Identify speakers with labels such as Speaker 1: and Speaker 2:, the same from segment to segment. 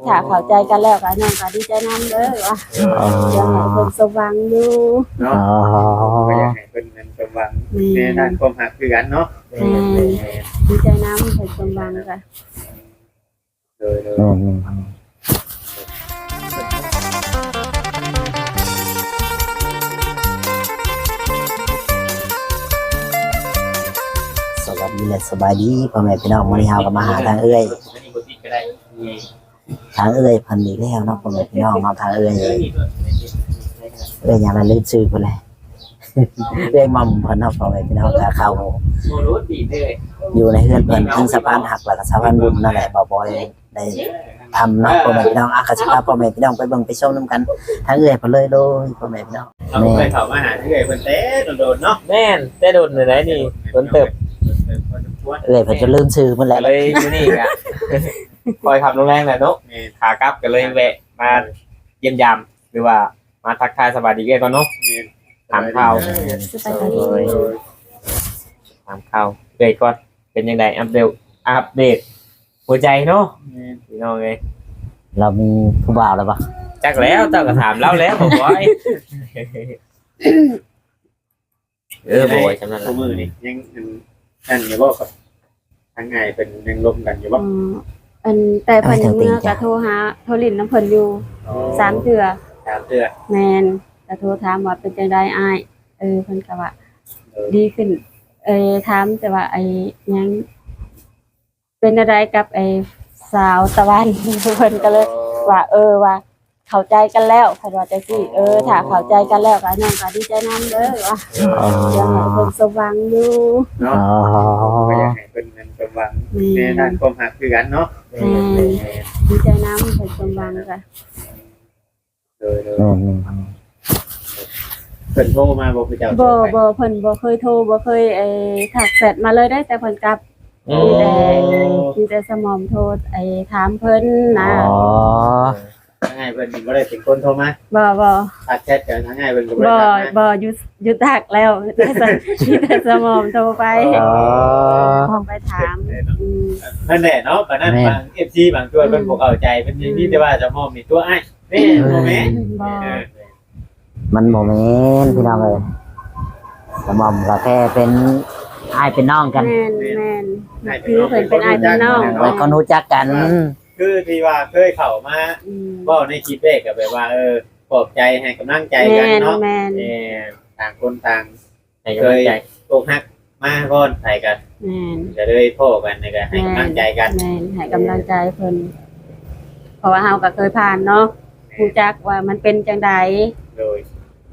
Speaker 1: ถ้าเข้าใจกันแล้วก็น้องก็ดีใจนำเด้อว่าอยากให้เพิ่นสมหวังอยู่
Speaker 2: เนาะก็อยากให้เพิ่นนั้นสมหวังในด้านความรักคือกันเนาะ
Speaker 1: ดีใจนำเพิ่นสมหวังก็
Speaker 2: เลย
Speaker 3: สวัสดีและสบายดีพ่อแม่พี่น้องมื้อนี้เฮาก็มาหาทางเอื้อยทางเอื้อยเพิ่นอีกแล้วเนาะพ่อแม่พี่น้องเนาะทางเอื้อยหยังละลืมชื่อเพิ่นเลยเอื้อยม่อมเพิ่นเนาะพ่อแม่พี่น้องก็เข้าอยู่ในเฮือนเพิ่นทั้งสะพานหักแล้วก็สะพานบุญนั่นแหละบ่บ่อยได้ทำเนาะพ่อแม่พี่น้องอาก็สิพาพ่อแม่พี่น้องไปเบิ่งไปชมนํกันทางเอื้อยเพิ่นเลยโดยพ่อแม่พี่น้อง
Speaker 2: เราเคยเข้ามาหาเอื้อยเพิ่นแต่โดนๆเนาะ
Speaker 4: แม่นแต่โดนเลยนะนี่โดนเติบ
Speaker 3: เอื้อยเพิ่นจะลืมชื่อเพิ่นแห
Speaker 4: ก็
Speaker 3: ละ
Speaker 4: เลยอยู่นี่อ่ะคอยขับโรงแรมแหละเนาะขากลับก็เลยแวะมาเยี่ยมยามหรือว่ามาทักทายสวัสดีกันก่อนเนาะถามข่าว
Speaker 1: สบายดี
Speaker 4: ถามข่าวเลยก่อนเป็นยังไงอัปเดตหัวใจเนาะพี่น้องเอ้ย
Speaker 3: เรามีผู้บ่าวแล้วปะ
Speaker 4: จักแล้วเจ้าก็ถามเล่าแล้วบอกว่าบ่อยจำนั้น
Speaker 2: คู่มือนี่ยังนั่นอยู่บ่ครับทางไงเป็นยังลมกันอยู่บ่
Speaker 1: อันแต่เพิ่นยังเมื่อก็โทรหาโทรลิ้นน้ำเพิ่นอยู่3เทื่อ
Speaker 2: 3เดือน
Speaker 1: แม่นก็โทรถามว่าเป็นจังได๋อ้ายเพิ่นก็ว่าดีขึ้นถามแต่ว่าไอ้หยังเป็นอะไรกับไอ้สาวตะวันเพิ่นก็เลยว่าว่าเข้าใจกันแล้วเพิ่นว่าจังซี่ถ้าเข้าใจกันแล้วก็น้องก็ดีใจนำเด้อว่าอยากให้เพิ่นสมหวังอยู่
Speaker 2: เนาะก็อยากให้เพิ่นนั้นสมหวังในด้านความรักคือกันเนาะ
Speaker 1: ดีใจนำเพิ่นสมหวังก็
Speaker 2: เลยเพิ่นโทรมาบอกพี่เจ้า
Speaker 1: บ่เพิ่นบ่เคยโทรบ่เคยทักแชทมาเลยได้แต่เพิ่นกลับมีแต่สมอมโทรถามเพิ่นนะ
Speaker 2: ทางไงเพิ่นบ่ได้เป็นคนโทรมา
Speaker 1: บ่
Speaker 2: ทักแชทกันทางไงเพิ่นก็บ่ได้ทักนะ
Speaker 1: บ่หยุดทักแล้วมีแต่สมอมโทรไปไปถาม
Speaker 2: นั่นแหละเนาะปานนั้นบาง FC บางตัวเพิ่นบ่เข้าใจเพิ่นมีแต่ว่าจะมองมีตัวอ้ายแม่บ่แม่
Speaker 1: บ่
Speaker 3: มันโมเมนต์พี่น้องเลยสมอมก็แค่เป็นอ้ายเป็นน้องกัน
Speaker 1: แม่นคือเพิ่นเป็นอ้ายเป็นน้อง
Speaker 3: ไว้คนรู้จักกัน
Speaker 2: คือที่ว่าเคยเข้ามาเว้าในคลิปแรกก็แบบว่าปลอบใจให้กำลังใจกันเนาะ
Speaker 1: แม่น
Speaker 2: ต่างคนต่าง
Speaker 4: ให้กำลังใจ
Speaker 2: ตกหักมาก่อนให้กัน
Speaker 1: แม่น
Speaker 2: จะได้โทษกันแล้วก็ให้กำลังใจกัน
Speaker 1: แม่นให้กำลังใจเพิ่นเพราะว่าเฮาก็เคยผ่านเนาะรู้จักว่ามันเป็นจังได
Speaker 2: โดย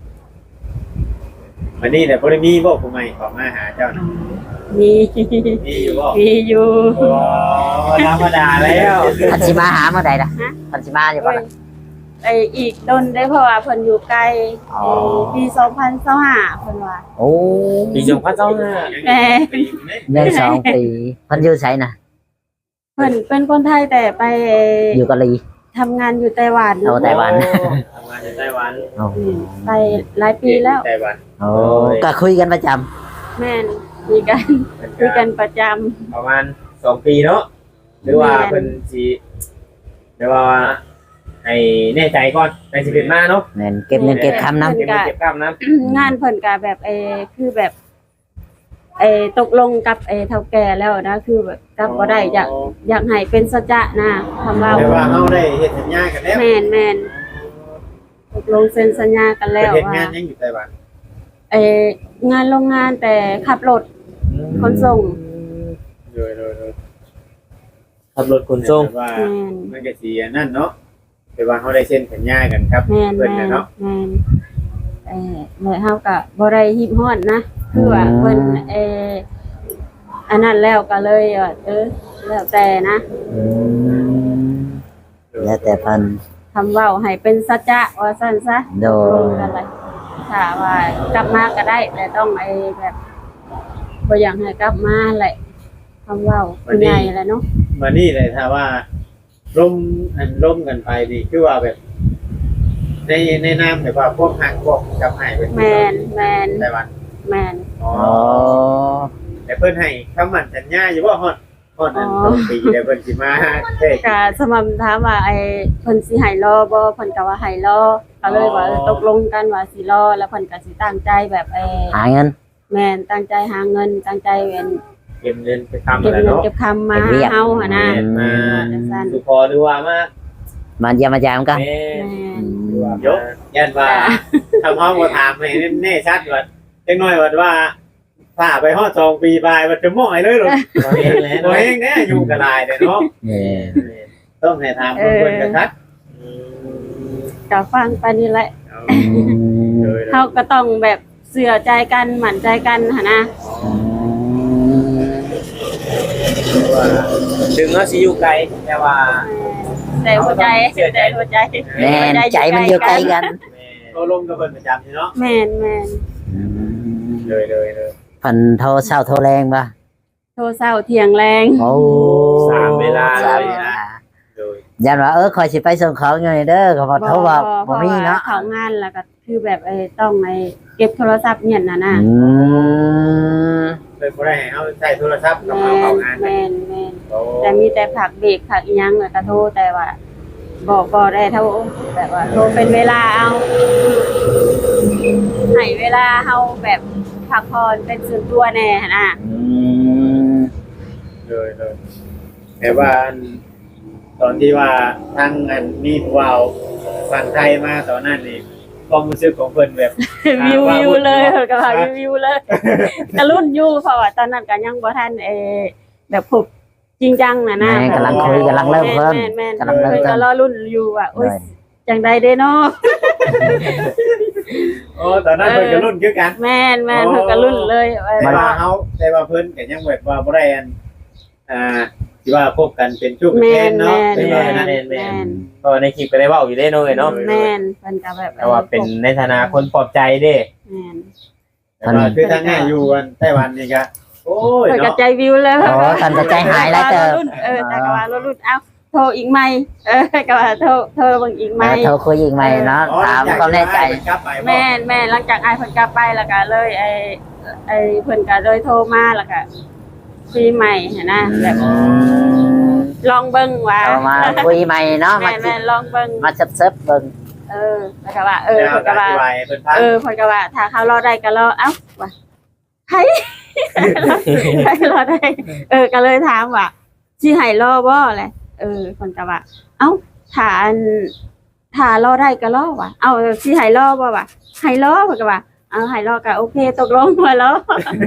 Speaker 2: วันนี้แหละบ่ได้มีบ่ผู้ใหม่เข้ามาหาเจ้านะ
Speaker 1: มี
Speaker 2: มีอยู่บ่
Speaker 1: มีอยู่
Speaker 2: โอ้ธรรมดาแล้ว
Speaker 3: พันชิมาหาเมื่อใดนะพันชิมาอยู่ปะล่ะ
Speaker 1: อีกดนได้เพราะว่าเพิ่นอยู่ไกลปี2025เพิ่นว่า
Speaker 3: โอ้
Speaker 4: ปีจงพัดเจ้าเนี่ย
Speaker 1: แม่
Speaker 3: ยัง2 ปีพันอยู่ไสนะ
Speaker 1: เพิ่นเป็นคนไทยแต่ไป
Speaker 3: อยู่เกาหลี
Speaker 1: ทำงานอยู่ไต้หวัน
Speaker 3: เอาไต้หวัน
Speaker 2: ทำงานในไต้หวัน
Speaker 3: โอ้
Speaker 1: ไปหลายปีแล้ว
Speaker 2: ไต้หวัน
Speaker 3: โอ้ก็คุยกันประจ
Speaker 1: แม่นมีกันคุยกันประจำ
Speaker 2: ประมาณ2 ปีเนาะหรือว่าเพิ่นสิหรือว่าให้แน่ใจก่อนในสิเป็นมาเนาะ
Speaker 3: ำเงินเก็บเงินเก็บคำน้
Speaker 2: เก็บคำนะ
Speaker 1: งานเพิ่นก็แบบคือแบบตกลงกับเฒ่าแก่แล้วนะคือแบบกลับบ่ได้อยากให้เป็นสัจจะนะคำว่า
Speaker 2: แต่ว่าเฮาได้เฮ็ดสัญญากันแล้ว
Speaker 1: แม่นตกลงเซ็นสัญญากันแล้ว
Speaker 2: เฮ็ด
Speaker 1: ว่าง
Speaker 2: านยังอยู่ไต้หวัน
Speaker 1: งานโรงงานแต่ขับรถขนส่ง
Speaker 2: โดย
Speaker 4: ขับรถขนส่ง
Speaker 2: ว่า
Speaker 1: แม่น
Speaker 2: มันก็สินั่นเนาะแต่ว่าเฮาได้เซ็นสัญญากันครับ
Speaker 1: แม่น
Speaker 2: เพิ่นน่ะเนาะ
Speaker 1: แม่นแล้วเฮาก็บ่ได้ฮิบฮอดนะคือว่าเพิ่นอันนั้นแล้วก็เลยว่าแล้วแต่นะ
Speaker 3: แล้วแต่พัน
Speaker 1: คำเว้าให้เป็นสัจจะว่าซั่นซะ
Speaker 3: โด
Speaker 1: ตกลงกันเลยถ้าว่ากลับมาก็ได้แต่ต้องแบบบ่อยากให้กลับมาแหละคำเว้าเป็นไงแหละเนาะ
Speaker 2: มานี่เลยถ้าว่าร่มกันไปนี่คือว่าแบบ ในนามแบบว่าพวกหักพวกกับให้เป็น
Speaker 1: แมน
Speaker 2: ไต้หวัน
Speaker 1: แมน
Speaker 2: อ๋อ
Speaker 3: อ๋อ
Speaker 2: แต่เพิ่นให้คำมั่นสัญญาอยู่ว่าฮอดฮอดนั้นต้องปีแล้วเพิ่นสิมาเท่
Speaker 1: ก็สม่ำถามว่าไอ้เพิ่นสิให้รอบ่เพิ่นก็ว่าให้รอก็เลยว่าตกลงกันว่าสิรอแล้วเพิ่นก็สิตั้งใจแบบ
Speaker 3: หาเงิน
Speaker 1: แม่นตั้งใจหาเงินตั้งใจเป็น
Speaker 4: เก็บเงินไปทำ
Speaker 1: เก็บ
Speaker 4: อะไร
Speaker 1: เงิน
Speaker 4: เนาะ
Speaker 1: เก็บคำมาเฮาหั่นน่ะ
Speaker 2: มาสุพอหรือว่ามา
Speaker 3: มาเยี่ยมมายามกัน
Speaker 4: แม่
Speaker 1: แม่น
Speaker 2: ยกยันว่าทำห้องบ่ถามให้แน่ชัดว่าจังน้อยว่าถ้าไปฮอด2ปีปลายมันจะม่อยเลยหรอ
Speaker 4: บ่เห็นแล้ว
Speaker 2: ตัวเองเนี่ยยุ่งกับลายเด้เนาะต้องให้ถามเพิ่นกันชัด
Speaker 1: ก็ฟังไปนี่แหละ
Speaker 2: เลย
Speaker 1: เฮาก็ต้องแบบเชื่อใจกันหมั่นใจกันหั่นนะ
Speaker 2: ว่า
Speaker 4: ถึงเนาะสิอยู่ไกลแต่ว่า
Speaker 1: แต่หัวใจแต่หัวใจ
Speaker 3: แม่นใจมันอยู่ใกล้กัน
Speaker 2: ก็ลงกับเพิ่นประจำเนาะ
Speaker 1: แม่น
Speaker 2: เลย
Speaker 3: เพิ่นโทรเช้าโทรแรงป่ะ
Speaker 1: โทรเช้าเที่ยงแรง
Speaker 3: โอ้
Speaker 4: สามเวลา
Speaker 3: สาม
Speaker 4: เลย
Speaker 3: เวลา
Speaker 2: เลย
Speaker 3: ยันว่าคอยสิไปส่งของอยู่นี่เด้อเขาบอกโทรว่าบ่มีเนาะ
Speaker 1: เข้างานแล้วก็คือแบบต้องเก็บโทรศัพท์เนี่ยน่ะนะ
Speaker 2: เลยบ่ได้ให้เฮาใช้โทรศัพท์กับเฮาเข้างาน
Speaker 1: แม่นแต่มีแต่ผักเบรกผักอีหยังแล้วก็โทรแต่ว่าบ่ได้เท่าแบบว่าโทรเป็นเวลาเอาให้เวลาเฮาแบบพักผ่อนเป็นส่วนตัวแน่หั่นน่ะ
Speaker 2: เลยแต่ว่าตอนที่ว่าทางอันมีผู้ว่าฝั่งไทยมาตอนนั้นนี่ความรู้สึกของเพิ่นแบบ
Speaker 1: วิวเลยเพิ่นก็ว่าวิวเลยกะรุ่นอยู่เพราะว่าตอนนั้นก็ยังบ่ทันแบบพบจริงจังน่ะนะ
Speaker 3: แม่กำลังคุยกำลังเริ่มเพิ่ม
Speaker 1: แม่น
Speaker 3: กำลังเริ่ม
Speaker 1: เพิ่น
Speaker 3: เพิ่
Speaker 1: ก็
Speaker 3: ม
Speaker 1: รอรุ่นอยู่ว่าโอ๊ยจังใดเด้เนาะ
Speaker 2: โอ้ตอนนั้นเพิ่นก็รุ่นคือกัน
Speaker 1: แม่นเพิ่นก็รุ่นเลย
Speaker 2: แต่ว่าเฮาแต่ว่าเพิ่นก็ยังแบบว่าบ่ได้อันที่ว่าพบกันเป็นชู้เป็น
Speaker 1: แม่
Speaker 2: แฟน
Speaker 1: น
Speaker 2: เนาะ
Speaker 1: แม่น
Speaker 2: เป็นว่านั้น
Speaker 1: แม่น
Speaker 4: เพราะว่าในคลิปก็ได้เว้าอยู่ได้เนาะเนาะ
Speaker 1: แม่นเพิ่นก็แบบ
Speaker 4: แต่ว่าเป็นในฐานะคนปลอบใจเด้
Speaker 1: แม่น
Speaker 2: แต่ว่าคือทางง่ายอยู่กันไต้หวันนี่ก็โอ้ย
Speaker 1: เพิ่นก็
Speaker 2: เนาะ
Speaker 1: ใจวิวเลย
Speaker 3: โอ้ท่านจะใจหายแล้วเติม
Speaker 1: แต่ก็ว่ารอรุ่นเอ้าโทรอีกไหมก็ว่าโทรเบิ่งอีกไหม
Speaker 3: โทรคุยอีกไหมเนาะถามความแน่ใจ
Speaker 2: กลับไปบ่
Speaker 1: แม่หลังจากอ้ายเพิ่นกลับไปแล้วก็เลยเพิ่นก็เลยโทรมาแล้วก็คุยใหม่หันนะแบบลองเบิ่งว่า
Speaker 3: เอามาคุยใหม่เนาะมา
Speaker 1: แม่ลองเบิ่ง
Speaker 3: มาเซิบเบิ่ง
Speaker 1: แล้วก็ว่าเพิ่นก็ว่า
Speaker 2: เพิ่นพัง
Speaker 1: เพิ่นก็ว่าถ้าเขารอได้ก็รอเอ้าว่าไผรอได้ก็เลยถามว่าสิให้รอบ่แหละเพิ่นก็ว่าเอ้าถ้ารอได้ก็รอว่ะเอ้าสิให้รอบ่ว่ะให้รอเพิ่นก็ว่าเอาให้รอก็โอเคตกลงว่ารอ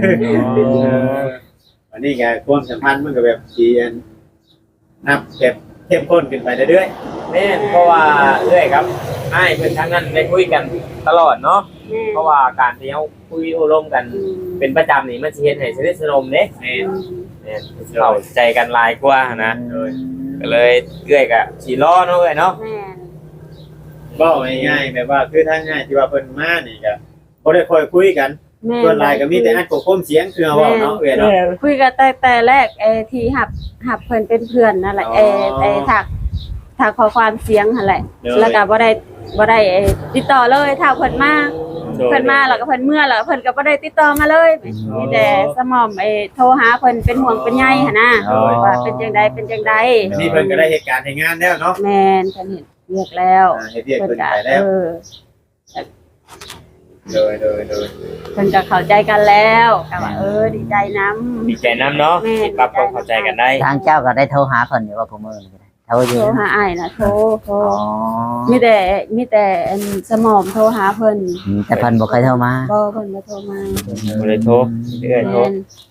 Speaker 2: อันนี้ก็ความสัมพันธ์มันก็แบบดีอันนับแบบเข้มข้นขึ้นไปเรื่อย
Speaker 4: แม่นเพราะว่าเรื่อยครับอ้ายเพิ่นทั้งนั้นได้คุยกันตลอดเนาะเพราะว่าการที่เฮาคุยโอ้ร่มกันเป็นประจำนี่มันสิเฮ็ดให้สนิทสนมเด้
Speaker 2: ๆแม่น
Speaker 4: แม่นเข้าใจกันหลายกว่านะก็เลยเรื่อยก็สิรอเนาะเอ้ยเนาะ
Speaker 1: แม่น
Speaker 2: บอกง่ายๆแบบว่าคือทางง่ายที่ว่าเพิ่นมานี่ก็บ่ได้ค่อยคุยกัน
Speaker 1: แม่
Speaker 2: ส่วนหลายก็มีแต่อัดกบคมเสียงคือเว้าเนาะเอ้ยเนาะ
Speaker 1: คุยกันแต่แรกที่หับเพิ่นเป็นเพื่อนนั่นแหละ
Speaker 2: อ๋อ
Speaker 1: ถักขอความเสียงนั่นแหละ แล้วก็บ่ได้ติดต่อเลยถ้าเพิ่นมาแล้วก็เพิ่นเมื่อแล้วเพิ่นก็บ่ได้ติดต่อมาเลยมีแต่สมอมโทรหาเพิ่นเป็นห่วงเป็นใยหั่นนะว่าเป็นจังใด
Speaker 2: นี่เพิ่นก็ได้เหตุการณ์ให้งานแล้วเนาะ
Speaker 1: แม่นเพิ่นเห็นเรียกแล้ว
Speaker 2: เฮ็ดเรียก
Speaker 1: เพิ่น
Speaker 2: เพิ่น
Speaker 1: ก็
Speaker 2: ไปแล้ว โดย
Speaker 1: เพิ่นก็เข้าใจกันแล้วก็ว่าดีใจนำ
Speaker 4: ดีใจนํเนาะที่ปรับความเข้าใจกันได้
Speaker 3: ทางเจ้าก็ได้โทรหาเพิ่นอยู่ว่ากูมื้อนี้โทรอยู่
Speaker 1: โทรหาอ้ายน่ะโทร
Speaker 3: อ๋อ
Speaker 1: มีแต่อันสมอมโทรหาเพิ่น
Speaker 3: แต่เพิ่นบ่เคยโทรมา
Speaker 1: บ่เพิ่นบ่โทรมา
Speaker 4: บ่ได้โทรเรื่อยโทร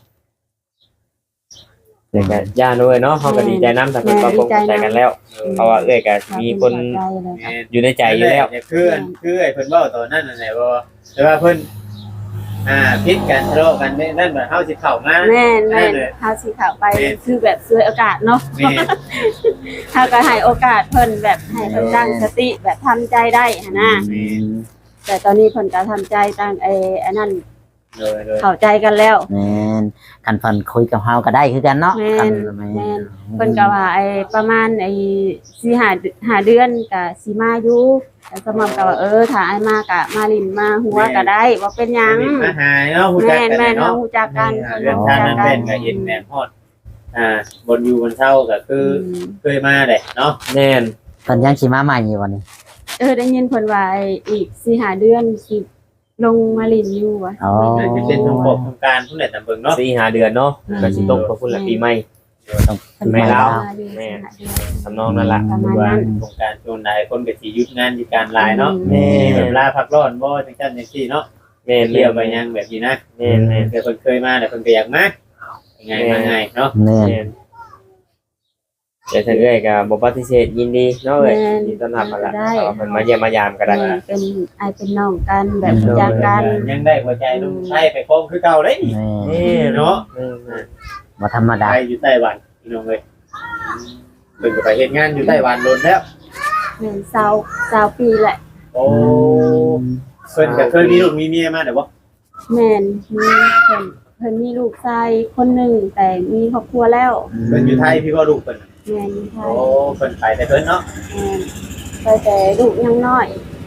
Speaker 1: แม่น
Speaker 4: เอ้ยก็ย่าด้วยเนาะเขาก็ดีใจน้ำแต่เพิ่นก็คงเข้าใจกันแล้ว เพราะว่าเอ้ยก็มีคน
Speaker 1: เข้าใจเลย
Speaker 4: อยู่ในใจอยู่แล้ว
Speaker 2: คือไอ้เพิ่นเว้าตอนนั้นนั่นแหละว่าแต่ว่าเพิ่นพิษกันทะเลาะกันนั่นแบบเฮาสิเข้ามา
Speaker 1: แม่นเฮาสิเข้าไปคือแบบซื้อโอกาสเนาะ
Speaker 2: แม่
Speaker 1: เฮาก็ให้โอกาสเพิ่นแบบให้เพิ่นตั้งสติแบบทำใจได้หั่นน่ะแต่ตอนนี้เพิ่นก็ทำใจตั้งอันนั้น
Speaker 2: เลย
Speaker 1: เข้าใจกันแล้ว
Speaker 3: แม่นคันเพิ่นคุยกับเฮาก็ได้คือกันเนาะ
Speaker 1: แม่น
Speaker 3: คัน
Speaker 1: แม่น เพิ่นก็ว่าประมาณ4-5 เดือนก็สิมาอยู่แต่สมอมก็ว่าถ้าอ้ายมาก็มาลิ้นมาหัวก็ได้บ่เป็นหยัง
Speaker 2: มาหายเนาะฮู้จัก
Speaker 1: แม่
Speaker 2: กัน
Speaker 1: น
Speaker 2: เนาะ
Speaker 1: ฮู้จักกัน
Speaker 2: เรื่องชาตินั้นเป็นก็เห็นแม่ฮอดบนอยู่บนเช่าก็คือเคยมาแหละเนาะ
Speaker 4: แน่น
Speaker 3: เพิ่นยังสิมาใหม่อยู่วันนี้
Speaker 1: ได้ยินเพิ่นว่าอีก4-5 เดือนสิลงมาลินอยู่ว่ะ
Speaker 3: อ๋อ
Speaker 2: จะเป็นทงบอกทงการผู้ใดตามเบิ่งเนาะ
Speaker 4: 4-5 เดือนเนาะก็สิตกพอพุ่นละปีใหม่
Speaker 3: ต้อง
Speaker 1: เพิ่น
Speaker 4: ไม่
Speaker 1: ว่า
Speaker 4: เล่า
Speaker 1: อยู่
Speaker 4: แม่
Speaker 1: 4-5 เดือน
Speaker 4: ทำนองนั่นล่ะ
Speaker 1: ประมาณ
Speaker 2: ว่า
Speaker 1: นั้น
Speaker 2: โครงการช่วงใดคนก็สิหยุดงานหยุดการหลายเนาะ
Speaker 4: แม่
Speaker 2: มีแบบลาพักร้อนบ่จังซั่นจังซี่เนาะ
Speaker 4: แม่น
Speaker 2: เที่ยวไปยังแบบนี้นะ
Speaker 4: แม่นแม่น
Speaker 2: เดี๋ยวเพิ่นเคยมาแต่เพิ่นก็อยากมาไงมาไงเนาะ
Speaker 3: แม่น
Speaker 4: แม่นแต่ถ้าเอ้ยก็บ่ปฏิเสธยินดีเนาะเอ้ยยินดีต้อนรับมาละเอาเพิ่นมาเยี่ยมมายามก็ได้
Speaker 1: แม่เป็นอายเป็นน้องกันแบบรู้จักกัน
Speaker 2: ยังได้หัวใจลุงไทยไปครองคือเก่าเลยนี่
Speaker 3: แม่
Speaker 2: เนาะ
Speaker 3: บ่ธรรมดา
Speaker 2: ไปอยู่ไต้หวันพี่น้องเอ้ยเพิ่นก็ไปเฮ็ดงานอยู่ไต้หวันโดนแล้ว
Speaker 1: แม่น20ปีแหละ
Speaker 2: โอ้เพิ่นก็เคยมีลูกมีเมียมาแต่บ่
Speaker 1: แม่นมีเพิ่นมีลูกชายคนหนึงแต่มีครอบครัวแล้ว
Speaker 2: เพิ่นอยู่ไทยพี่ว่าลูกเพิ่น
Speaker 1: แม่นอยู่ไท
Speaker 2: โอ้
Speaker 1: ย
Speaker 2: เพิ่นไปแต่เพิ่นเนาะ
Speaker 1: แม่นไปแต่ลูกยังน้อย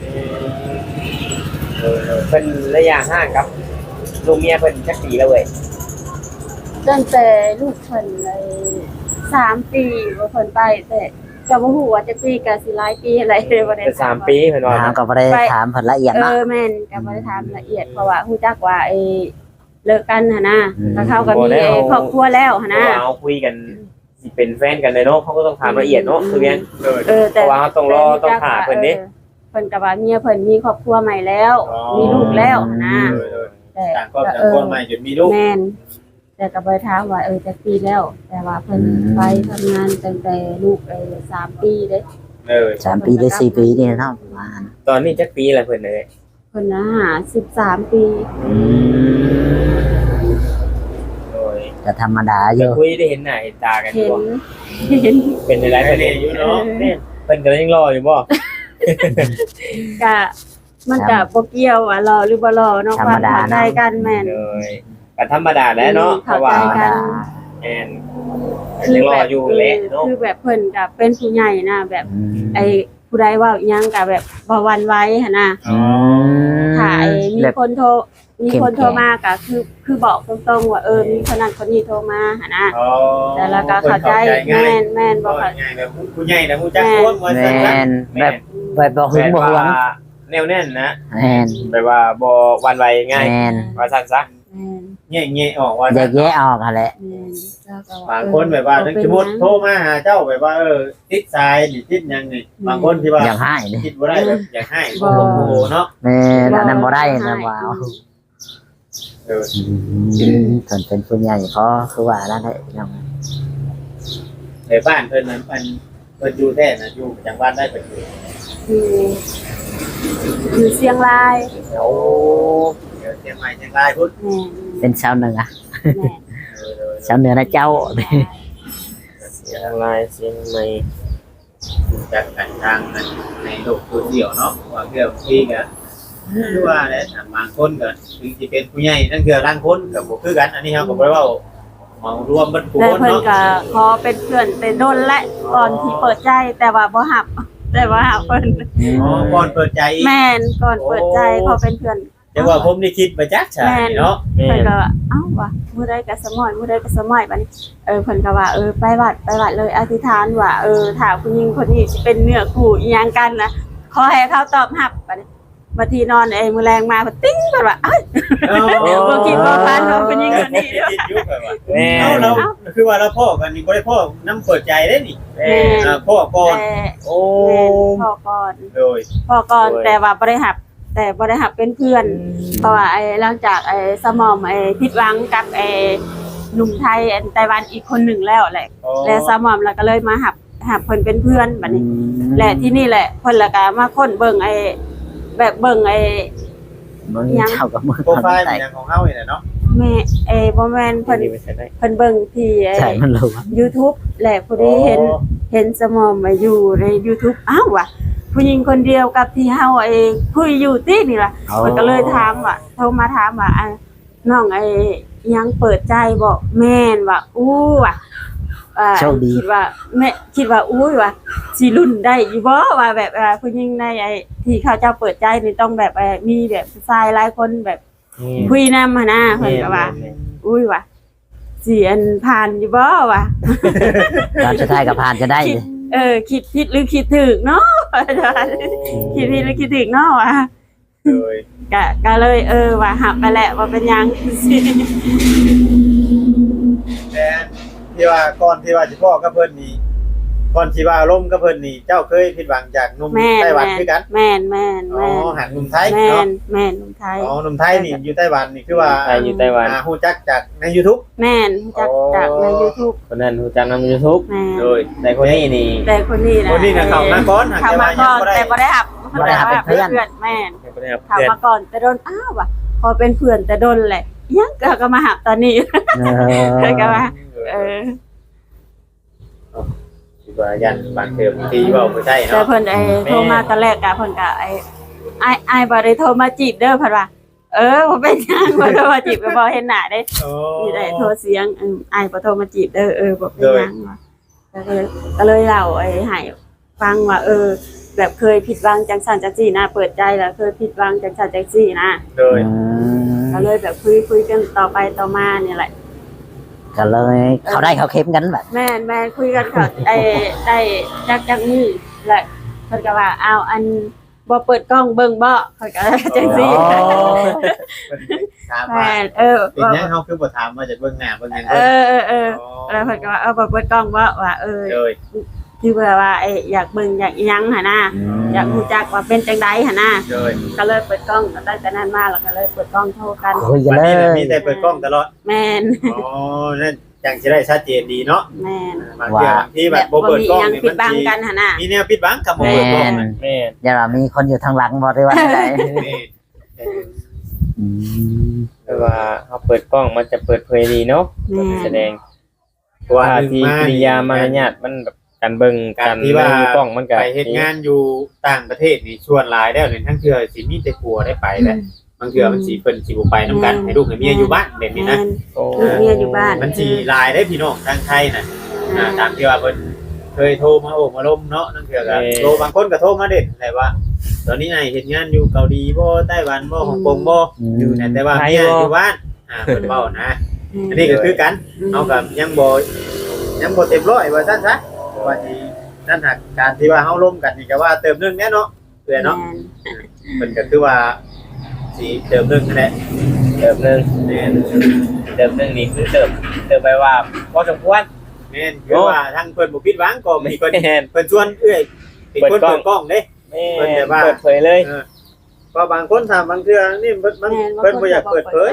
Speaker 4: เพิ่นระยะห่างครับลูกเมียเพิ่นจักปีแล้วเว้ย
Speaker 1: ตั้งแต่ลูกเพิ่นเลย3 ปีว่าเพิ่นไปแต่ก็บ่ฮู้ว่าจักปีก็สิหลายปีอะไรเลยบ่ได้
Speaker 4: เป็น3ปีเพิ่นว่า
Speaker 3: ถามก็บ่ได้ถามเพิ่นละเอียดเนาะ
Speaker 1: แม่นก็บ่ได้ถามละเอียดเพราะว่าฮู้จักว่าเลิกกันหั่นนะ
Speaker 3: อืม
Speaker 1: ก็เขาก็มีครอบครัวแล้วหั่นนะ
Speaker 4: เอาคุยกันสิเป็นแฟนกันเลยเนาะเขาก็ต้องถามละเอียดเนาะคือแม่น
Speaker 1: แต่
Speaker 4: เพราะว่าเขาต้องรอต้องหาเพิ่นเด้
Speaker 1: เพิ่นก็ว่าเมียเพิ่นมีครอบครัวใหม่แล้ว มีลูกแล้วหั่นนะแต่
Speaker 2: ต่างครอบต่างครัวใหม่จนมีลูก
Speaker 1: แม่นแต่ก็บ่ได้ถามว่าจักปีแล้ว แต่ว่าเพิ่นไปทำงานตั้งแต่ลูก3 ปีเด้
Speaker 3: 3 ปีหรือ4 ปีนี่เนาะประมาณ
Speaker 4: ตอนนี้จักปีแล้วเพิ่นเอ้ย
Speaker 1: เพิ่นน่ะ13 ปี
Speaker 4: โดย
Speaker 3: ก็ธรรมดาอ
Speaker 4: จะ
Speaker 3: ยู่
Speaker 4: คุยได้เห็นหน้าเห็นตากันอ
Speaker 1: เห็
Speaker 4: ยู่
Speaker 1: น
Speaker 4: บ่
Speaker 1: เห็น
Speaker 4: เป็นในไลฟ์
Speaker 2: ไป
Speaker 4: เพิ่น
Speaker 2: เรียนอยู่เนาะ
Speaker 4: เพิ่นก็ยังรออยู่บ่
Speaker 1: ก็มันก็บ่เกี่ยวว่ารอหรือบ่รอเนาะความเข้าใจกันแม่น
Speaker 4: เลยก็ธรรมดาแหล้วเนาะเพ
Speaker 1: เข้า
Speaker 4: ราะว่า
Speaker 1: ใจกัน
Speaker 4: แอนยังรออยู่แหละเนาะ
Speaker 1: คือแบบเพิ่นก็เป็นผู้ใหญ่นะแบบ
Speaker 3: อืม
Speaker 1: ผู้ใดเว้าอิหยังก็แบบบ่หวั่นไหวหั่นน่ะ
Speaker 3: อืม
Speaker 1: ถ้ามี
Speaker 3: แบบ
Speaker 1: คนโทรมาก็คือบอกตรงๆว่ามีคนนั้นคนนี้โทรมาหั่นน่ะแต่แล้วก็เข้าใจแม่นบ่
Speaker 2: ก็
Speaker 1: เข้า
Speaker 2: ง่ายแบบผู้ใหญ่นะผู้จักควงว่า
Speaker 3: แม
Speaker 2: ซั่น
Speaker 3: นแบบบ่หึงบ่หวง
Speaker 4: แนวแน่นนะ
Speaker 3: แมน
Speaker 4: แปลว่าบ่หวันไหวง่าย
Speaker 3: แมน
Speaker 4: ว่าซั่นซะ
Speaker 1: แม่น
Speaker 2: แง่ๆออกว่า
Speaker 3: แยกแยะออกหั่นแหละ
Speaker 1: แม่นแล้วก็
Speaker 2: บางคนแบบว่าถึงสมมุติโทรมาหาเจ้าแบบว่าติดสายนี่ติดหยังนี่บางคนที่ว่า
Speaker 3: อยากให้นี่
Speaker 2: คิดบ่ได้แบบอยากให้บ่โอ้โหเนาะ
Speaker 3: แม่นอันนั้นบ่ได้นะว้าว
Speaker 2: เออ
Speaker 3: ส่วนเป็นผู้ใหญ่ก็คือว่านั่นแหละน้อง
Speaker 2: ในบ้านเพิ่นนั้นเพิ่นอยู่แท้น่ะอยู่จังหวัดได้เพิ่นอยู่
Speaker 1: อยู่เชียงราย
Speaker 2: โอ้เดี๋ยวเชียงใหม่เชียงรายพุ่น
Speaker 1: แม่น
Speaker 3: เป็นชาวเหนือ
Speaker 1: แม่น
Speaker 3: ชาวเหนือนะเจ้า
Speaker 4: เชียงรายเชียงใหม่
Speaker 2: จากกันทางนั้นในโลกโซเชียลเนาะว่าเรื่องที่ก็คือว่าแหละบางคนก็ถึงสิเป็นผู้ใหญ่นั่นคือร่างคนก็บ่คือกันอันนี้เฮาก็บ่ได้เว้าเมารวมเบิดผู้
Speaker 1: แต่
Speaker 2: คน
Speaker 1: เพิ่น
Speaker 2: เนาะ
Speaker 1: ก็ขอเป็นเพื่อนแต่โดนและก่อนที่เปิดใจแต่ว่าบ่ฮับแต่ว่าเพิ่น
Speaker 2: อ๋อก่อนเปิดใจอีก
Speaker 1: แม่นก่อนเปิดใจพอเป็นเพื่อน
Speaker 2: แต่ว่าผมนี่คิดมาจักใช่เนาะ
Speaker 4: แม่
Speaker 1: เพิ่น
Speaker 4: น
Speaker 1: ก็ว่าเอ้าว่ะมื้อใดก็สมอยมื้อใดก็สมอยบัดนี้เพิ่นก็ว่าไปวัดเลยอธิษฐานว่าถ้าผู้หญิงคนนี้สิเป็นเนื้อคู่อีหยังกันนะขอให้เขาตอบรับบัดนี้บัดทีนอนมื้อแรงมาเพิ่นติ้งเพิ่นว่าเอ้ยบ่คิดบ่ฝันว่าผู้หญิงคนนี้
Speaker 2: คิดอยู่แบบว่า
Speaker 4: แม่
Speaker 2: เราคือว่าเราพ่อกันนี่บ่ได้พ่อน้ำเปิดใจได้นี่
Speaker 4: แม่
Speaker 2: พ่อก่อน
Speaker 4: โอ้
Speaker 1: แม่พ่อก่อน
Speaker 2: โดย
Speaker 1: แต่ว่าบ่ได้รับแต่บ่ได้รับเป็นเพื่อน เพราะว่าหลังจากสมอมผิดหวังกับหนุ่มไทยไต้หวันอีกคนหนึ่งแล้วแหละและสมอมแล้วก็เลยมาหับเพิ่นเป็นเพื่อนบัดนี้ และที่นี่แหละเพิ่นละก็มาค้นเบิ่งแบบเบิ่ง
Speaker 3: มึงเจ้ากับมึง
Speaker 2: โปรไฟล์อย่างของเฮานี่แหละเนาะ
Speaker 1: แม่บ่แม่นเพิ่น
Speaker 4: ไม่ใช่ได้
Speaker 1: เพิ่นเบิ่งที่
Speaker 3: ใช่มันรู้
Speaker 1: YouTube แหละผู้ใดเห็นสมอมอยู่ใน YouTube อ้าวว่ะผู้หญิงคนเดียวกับที่เฮาคุยอยู่ตินี่ล่ะ เพิ่นก็เลยถามว่าโทรมาถามว่าน้องยังเปิดใจบ่แม่นว่าอู้ว่ะคิดว่าแม่คิดว่าอู้ว่ะสิรุ่นได้อยู่บ่ว่าแบบผู้หญิงในที่เขาเจ้าเปิดใจนี่ต้องแบบมีแบบผู้ชายหลายคนแบบคุยนำหั่นนะเพิ่นก็ว่าอุ้ยว่ะสิอันผ่านอยู่บ่วะ
Speaker 3: ตอนสุดท้ายก็ผ่านจะได้
Speaker 1: คิดผิดหรือคิดถูกเนาะคิดผิดหรือคิดถูกเนาะวะ
Speaker 2: โดย
Speaker 1: ก็เลยว่าหับไปแหละว่าเป็นหยังสิ
Speaker 2: แต่ที่ว่าก่อนที่ว่าสิพ่อกับเพิ่นนี่ก่อนที่ว่าล่มกับเพิ่นนี่เจ้าเคยผิดหวังจากหนุ่ม
Speaker 1: แม่น
Speaker 2: ไต้หวันคือกัน
Speaker 1: แม่น
Speaker 2: อ๋อหันหนุ่มไทย
Speaker 1: แม่
Speaker 2: เนาะ
Speaker 1: นแม่นหนุ่มไทย
Speaker 2: อ๋อหนุ่มไทยนี่อยู่ไต้หวันนี่คือว่า
Speaker 4: ไทยอยู่ไต้หวัน
Speaker 2: ฮู้จักจากใน YouTube
Speaker 1: แม่นจากใน YouTube
Speaker 4: คนนั้นรู้จักนำ YouTube
Speaker 1: แม่น
Speaker 2: โดย
Speaker 4: แต่คนนี้นี่
Speaker 1: แต่คนนี้นะ
Speaker 2: คนนี้น่ะเข้ามาก่อนหาก
Speaker 1: เข้า
Speaker 2: แต่
Speaker 1: มา
Speaker 2: ว่า
Speaker 1: ก่
Speaker 2: ยั
Speaker 1: อง น
Speaker 2: บ่ได้
Speaker 1: แต่บ่ได้หับ
Speaker 3: บ่ได้หับเป็นเพื่อน
Speaker 1: แม่น
Speaker 4: ไม่ได้ครับ
Speaker 1: เข้า
Speaker 4: เพื่อน
Speaker 1: มาก่อนแต่โดนอ้าวว่ะพอเป็นเพื่อนแต่โดนแหละยังก็มาหับตอนนี้ ก็ว่า
Speaker 2: คิดว่ายันบางเทอมที่เว้าบ่ใช่
Speaker 1: แต่
Speaker 2: เนาะ
Speaker 1: เพิ่นโทรมาตอนแรกเพิ่นก็ไอ้บ่ได้โทรมาจีบเด้อเพิ่นว่าบ่เป็นหยังบ่โทรมาจีบก็บ่เห็นหน้าเด้
Speaker 2: โอ้
Speaker 1: นี่ได้โทรเสียงไอ้บ่โทรมาจีบเด้อบ่เป็นหยังว่ะก็เลยเล่าให้ฟังว่าแบบเคยผิดหวังจังซั่นจังซี่นะเปิดใจแล้วเคยผิดหวังจังซั่นจังซี่นะ
Speaker 2: โดย
Speaker 1: ก็เลยแบบคุยกันต่อไปต่อมาเนี่ยแหละ
Speaker 3: ก็เลยเขาได้เขาเข้มกันแบบ
Speaker 1: แม่นคุยกันก็ได้จักมือแหละเพิ่นก็ว่าเอาอันบ่เปิดกล้องเบิ่งบ่เพิ่นก็จังซี่
Speaker 2: ถาม
Speaker 1: แม่
Speaker 2: ว่าน เป็นหยังเฮาคือบ่ถามว่าจะเบิ่งหน้าเบิ่งหยัง
Speaker 1: เอ
Speaker 2: เพิ่น
Speaker 1: อแล้วเพิ่นก็ว่าบ่เปิดกล้องบ่ว่า
Speaker 2: โดย
Speaker 1: คือว่าอยากเบิ่งอยากอิหยังหั่นน่ะอยากรู้จักว่าเป็นจังได๋หั่นน่ะ
Speaker 2: โดย
Speaker 1: ก็เลยเปิดกล้องตั้งแต่นั้นมาแล้วก็เลยเปิดกล้องโทรกัน
Speaker 3: คุยกัน
Speaker 2: วัน
Speaker 3: เล
Speaker 2: นี้น่ะ
Speaker 3: ย
Speaker 2: มีแต่เปิดกล้องตลอด
Speaker 1: แม่น
Speaker 2: อ๋อนั่นจังสิได้ชัดเจนดีเนาะ
Speaker 1: แม่น
Speaker 2: บางเทื่อบางทีแบบบ่
Speaker 1: บ่
Speaker 2: เปิด
Speaker 1: มี
Speaker 2: กล้อง
Speaker 1: หยัง
Speaker 2: นี่
Speaker 1: ปิด
Speaker 2: มัน
Speaker 1: บัง
Speaker 2: สิ
Speaker 1: กันหั่นน่ะ
Speaker 2: มีแนวปิดบังกับบ่เปิดกล้องน่ะ
Speaker 4: แม่
Speaker 3: อย่าว่ามีคนอยู่ทางหลังบ่ได้ว่าอะไร
Speaker 2: นี่
Speaker 4: แต่ว่าเขาเปิดกล้องมันจะเปิดเผยดีเนาะ
Speaker 1: แม่น
Speaker 4: แสดง
Speaker 2: เพราะว่า
Speaker 4: ท่า
Speaker 2: หนึ่ง
Speaker 4: ที
Speaker 2: มา
Speaker 4: กิริยามารยาทมันแบบการเบิ่ง
Speaker 2: กา
Speaker 4: การ ร
Speaker 2: ที่ว่า
Speaker 4: ในกล้องมันก็
Speaker 2: ไปเฮ็ดงานอยู่ต่างประเทศนี่ชวนหลายแล้วนี่ทั้งเทื่อสิมีแต่กลัวได้ไปแหละบางเทื่อมันสิเพิ่นสิบ่ไปนํกันให้ลูกให้เมียอยู่บ้านแบบนี้นะ
Speaker 4: โอ้
Speaker 1: ลูกเมียอยู่บ้าน
Speaker 2: มันสิหลายได้พี่น้องทางไทยน่ะตามที่ว่าเพิ่นเคยโทรมาโอ้มาล้มเนาะนั่นเทื่อก็โทรบางคนก็โทรมาเด็ดแต่ว่า ตอนนี้นายเฮ็ดงานอยู่เกาหลีบ่ไต้หวันบ่ฮ่องกงบ่อยู่นั่นแต่ว่าเมียอยู่บ้านเพิ่นเว้านะอันนี้ก็คือกันเฮาก็ยังบ่เต็มร้อยว่าซั่นซะเพราะว่าที่นั่นหากการที่ว่าเฮาล้มกันนี่ก็ว่าเติมนึงแน่เนาะเพื่อนเนาะเพิ่นก็คือว่าสิเติมนึงนั่นแหละ
Speaker 4: เติมหนึง
Speaker 2: แม่น
Speaker 4: เติมหนึงนี่คือเติมไปว่าพอสมควร
Speaker 2: แม่นคือว่าทางเพิ่นบ่ผิดหวังก็มีเพิ่น
Speaker 4: แม่น
Speaker 2: เพิ่นชวนเอ้ยเป็นคนเปิดกล้องเด้
Speaker 4: แม่
Speaker 2: เปิดแต่ว่า
Speaker 4: เปิดเผยเลย
Speaker 2: เพราะบางคนถามบางเทื่อนี่เพิ่นบ่อยากเปิดเผย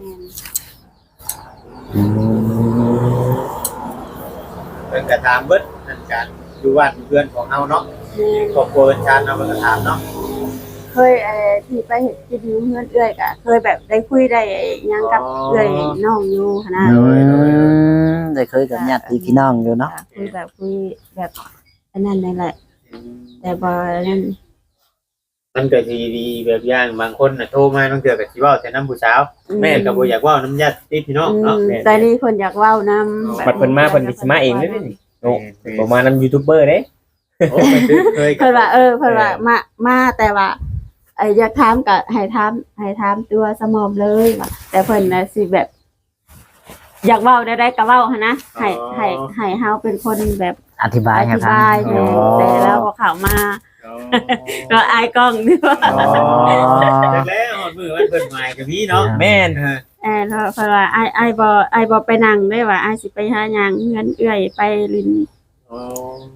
Speaker 2: เพิ่นก็ถามเบิดนั่นการอยู่บ้านเพื่อนของเฮาเนาะครอบครัวเพิ่นชาติเนาะเพิ่นก็ถามเนาะ
Speaker 1: เคยที่ไปเห็นกินอยู่เพื่อนเอื้อยกะเคยแบบได้คุยได้หยังกับเอื้อยน้องอยู่หั่นนะ
Speaker 3: ได้เคยกับญาติพี่น้องอยู่เนาะ
Speaker 1: คุยแบบอันนั้นนั่นแหละ แต่บ่นั่น
Speaker 2: มันก็สิดีแบบอย่างบางคนน่ะโทรมาบางเทื่อก็สิเว้าแต่นำผู้สาวแม่ก็บ่อยากเว้านำญาติพี่น้องเนาะ
Speaker 1: แต่นี่เพิ่นอยากเว้านำ
Speaker 4: บัดเพิ่นมาเพิ่นสิมาเองเด้อนี่โอ้บ่มานำยูทูบเบอร์เด้
Speaker 2: โอ้มันเคย
Speaker 1: เพิ่นว่าเพิ่นว่ามาแต่ว่าอยากถามก็ให้ถามตัวสมอมเลยว่าแต่เพิ่นน่ะสิแบบ อยากเว้าได้ก็เว้าหั่นนะให้เฮาเป็นคนแบบ
Speaker 3: อธิบายให้
Speaker 1: อธิ
Speaker 3: ฟัง
Speaker 1: บายแต่แล้วพอเข้ามาก็อายกล้องด้วย
Speaker 2: จากแล้วฮอดมื้อวันเพิ่นหมายก็มีเนาะ
Speaker 4: แม่น
Speaker 1: เพราะว่าไอ้บ่ไปนั่งได้ว่าไอ้สิไปหาหยังเงินเอื้อยไปลิน
Speaker 2: อ๋อ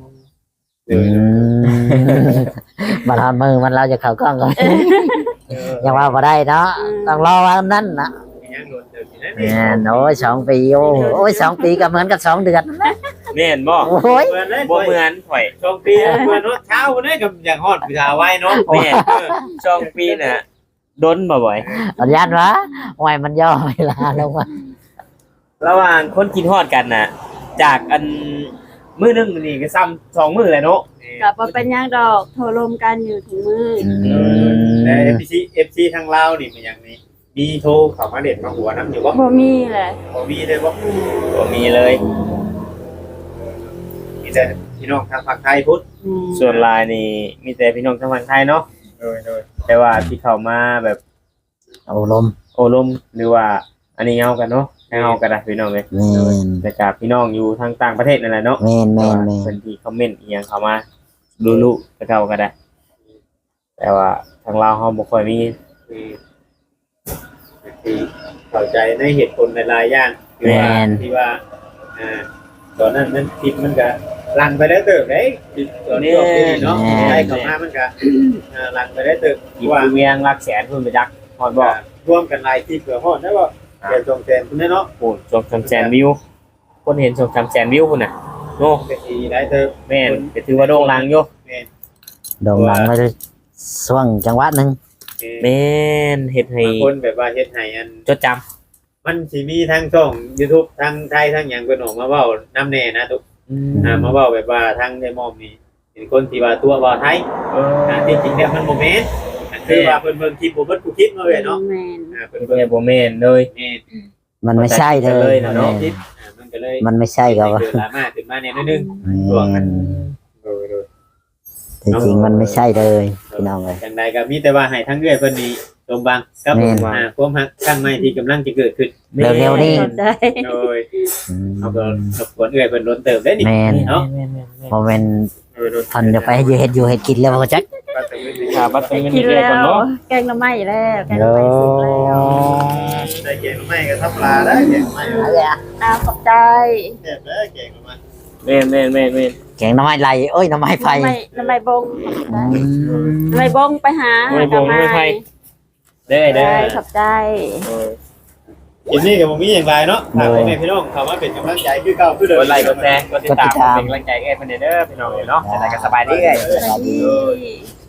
Speaker 3: มาทำมือมันเราจะเข้ากล้องก็ยังว่าบ่ได้เนาะต้องรอวันนั้นนะ
Speaker 2: ยังโดนเติมอยู่นะ
Speaker 3: แม่นโอ้ย2 ปีโอ้ย2 ปีก็เหมือนกับ2 เดือน
Speaker 4: แม่นบ่
Speaker 3: โอ้ย
Speaker 2: เพิ่นเลย
Speaker 4: บ่เหมือนข่อย
Speaker 2: ช่วงปีเพิ่นเนาะเช้าเพิ่นได้กับอย่างฮอดผู้ชายไว้เนาะ
Speaker 4: แม่นช่องปีน่ะดนบ่บ่อย
Speaker 3: สัญญาณวะโอ้ยมันย่อเวลาลงมา
Speaker 4: ระหว่างคนกินฮอดกันน่ะ จากอันมื้อนึงนี่ก็ซ้ำ2มื้อแหละเนาะ
Speaker 1: ก็บ่เป็นหยังดอกโทรลมกันอยู่ถึงมื้อ
Speaker 2: แต่ FC ทางลาวนี่มันอย่างนี้มีโทรเข้ามาเด็ดมาหัวน้ำอยู่บ่
Speaker 1: บ่มีแหละ
Speaker 2: บ่มีเลยบ่
Speaker 4: บ่มีเลย
Speaker 2: มีแต่พี่น้องทางภาคไทยพุทธ
Speaker 4: ส่วนหลายนี่มีแต่พี่น้องทางฝั่งไทยเนาะ
Speaker 2: โดย
Speaker 4: แต่ว่าที่เข้ามาแบบ
Speaker 3: โอ้ลม
Speaker 4: โอลมหรือว่าอันนี้เงากันเนาะให้เฮาก็ได้พี่น้องเอ้ย
Speaker 3: แม่น
Speaker 4: แต่กับพี่น้องอยู่ทางต่างประเทศนั่นแหละเนาะ
Speaker 3: แม่นแม่นแม่น
Speaker 4: เพิ่นที่คอมเมนต์อีหยังเข้ามารู้ๆแต่เก่าก็ได้ แต่ว่าทางเราวเฮาบ่ค่อยมี
Speaker 2: คือเข้าใจในเหตุผลหลายๆอย่างที่ว่าตอนนั้นมันคิดมันก็ลังไปได้เติบได้ตอนนี้เนาะได้เข้ามามันก็ลังไปได้เติบ
Speaker 4: อีก
Speaker 2: ว่า
Speaker 4: เวียงรักแสนเพิ่นไปจักฮอดบ่
Speaker 2: ร่วมกันหลายคลิปเพื่อฮอดได้บ่แกจงแทนคุณเนาะ
Speaker 4: โอ้ชม3แสนวิว คนเห็นชม3แสนวิวพุ่นน่ะโอ้
Speaker 2: ก็สิได้เติบ
Speaker 4: แม่นก็ถือว่าโด่งดังอยู่
Speaker 3: โด่งดังไปช่วงจังหวัดหนึง
Speaker 4: แม่นเฮ็ดให้
Speaker 2: บางคนแบบว่าเฮ็ดให้อัน
Speaker 4: จดจำ
Speaker 2: มันสิมีทั้งช่อง YouTube ทั้งไทยทั้งหยังเพิ่นออกมาเว้านำแน่นะทุกมาเว้าแบบว่าทั้งได้มอมนี่เป็นคนที่ว่าตัวว่าไทยจริงๆแล้วมันบ่แม่นคือว่าเพิ่นเบิ่งคลิปบ่เบิดกูคลิปมาเว้ยเนาะ
Speaker 1: แม่น
Speaker 2: เพิ่น
Speaker 4: เพิ่
Speaker 2: เบิ่ง
Speaker 4: นบ่แม่นเลย
Speaker 2: แม่น
Speaker 3: มันไม่ใช่เลย
Speaker 4: เนาะ
Speaker 3: แม่น
Speaker 2: คลิปมันก็เลย
Speaker 3: มันไม่ใช่ก็ว่า
Speaker 2: เกิดดราม่าขึ้นมาแน่นิดนึง
Speaker 3: แม่น
Speaker 2: โดย
Speaker 3: แต่จริงมันไม่ใช่เลยพี่น้องเลย
Speaker 2: จังใดก็มีแต่ว่าให้ทั้งเอื้อยเพิ่นนี่สมบังกับ
Speaker 3: แม่น
Speaker 2: ความฮักครั้งใหม่ที่กำลังจะเกิดขึ้น
Speaker 3: เร็วๆนี่
Speaker 1: เข้าใจ
Speaker 2: โดยเอาก็รบกวนเอื้อยเพิ่นล้นเติมได้นี่
Speaker 3: แม่น
Speaker 2: เนาะ
Speaker 3: โมเมนต์พันจะไปอยู่เฮ็ดอยู่เฮ็ดกินแล้วบ่จัก
Speaker 4: ค่ะบัดเป็นเงิน
Speaker 1: กิน
Speaker 4: เดือน
Speaker 1: แล้
Speaker 4: ก่อน
Speaker 1: ว
Speaker 4: เนาะ
Speaker 1: แกงหน่อไม้แล้วแกงหน่อไม้สุกแล้ว
Speaker 2: ได้เก่งไม่ก็ทับปลาได้เก่งไม่
Speaker 1: อ้าวขอบใจ
Speaker 2: เจ็บได้เก่งมา
Speaker 4: แม่น
Speaker 3: แกงหน้ำไม้ไหลเอ้ยหน้ำไม้ไฟ
Speaker 1: หน่อไม้บง
Speaker 3: อืม
Speaker 1: หน่อไม้บงไปหา
Speaker 4: ไม่บ่ไม่ไผเด้อ
Speaker 1: ได้ขอบใจ
Speaker 2: ทีนี้กับผมมีอย่างไรเนาะถามพ่อแม่พี่น้องคำว่าเป็นกำลังใจคือเก่าคือเดิม
Speaker 4: กดไลค์กดแชร์กดติดตามเป็นกำลังใจให้เพิ่นเด้อพี่น้องเนาะจะได้ก็สบายดีเอ้ย
Speaker 1: สวัสดี